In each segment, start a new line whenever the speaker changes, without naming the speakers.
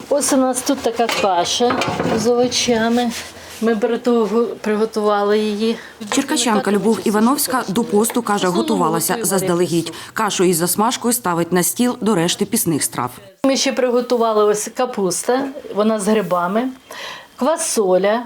Ось у нас тут така каша з овочами. Ми приготували її.
Черкащанка Любов Івановська до посту, каже, готувалася заздалегідь. Кашу із засмажкою ставить на стіл до решти пісних страв.
Ми ще приготували ось капуста, вона з грибами, квасоля,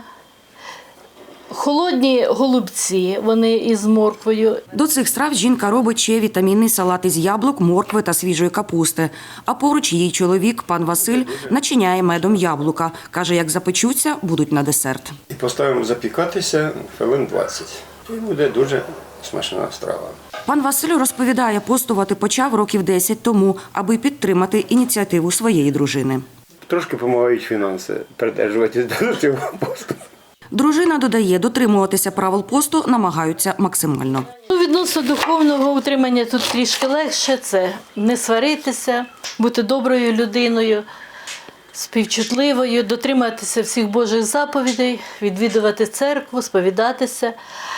холодні голубці, вони із морквою.
До цих страв жінка робить ще вітамінний салат із яблук, моркви та свіжої капусти. А поруч її чоловік, пан Василь, начиняє медом яблука. Каже, як запечуться, будуть на десерт.
І поставимо запікатися хвилин 20. І буде дуже смачна страва.
Пан Василь розповідає, постувати почав років 10 тому, аби підтримати ініціативу своєї дружини.
Трошки допомагають фінанси придержуватись до цього посту.
Дружина додає, дотримуватися правил посту намагаються максимально.
Відносно духовного утримання тут трішки легше. Це не сваритися, бути доброю людиною, співчутливою, дотримуватися всіх Божих заповідей, відвідувати церкву, сповідатися.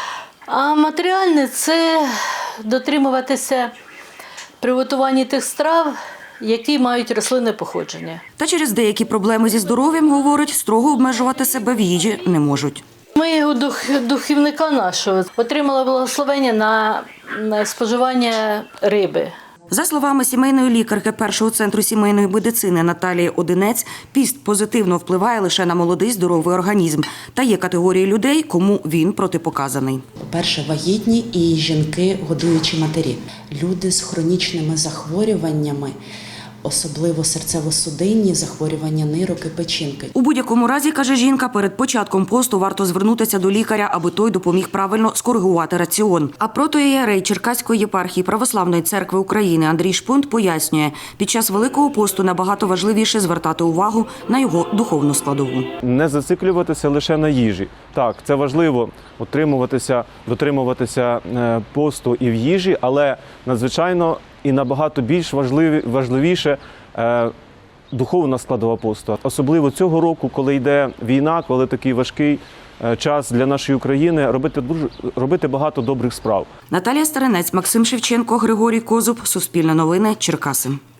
А матеріальне – це дотримуватися приготування тих страв, які мають рослинне походження.
Та через деякі проблеми зі здоров'ям, говорить, строго обмежувати себе в їжі не можуть.
Ми у духовника нашого отримали благословення на споживання риби.
За словами сімейної лікарки першого центру сімейної медицини Наталії Одинець, піст позитивно впливає лише на молодий здоровий організм. Та є категорії людей, кому він протипоказаний.
По-перше, вагітні і жінки, годуючі матері. Люди з хронічними захворюваннями, особливо серцево-судинні захворювання нирок і печінки.
У будь-якому разі, каже жінка, перед початком посту варто звернутися до лікаря, аби той допоміг правильно скоригувати раціон. А протоієрей Черкаської єпархії Православної церкви України Андрій Шпунт пояснює, під час Великого посту набагато важливіше звертати увагу на його духовну складову.
Не зациклюватися лише на їжі. Так, це важливо дотримуватися посту і в їжі, але надзвичайно і набагато більш важливіше духовна складова посту. Особливо цього року, коли йде війна, коли такий важкий час для нашої України, робити багато добрих справ.
Наталія Старинець, Максим Шевченко, Григорій Козуб, Суспільне новини, Черкаси.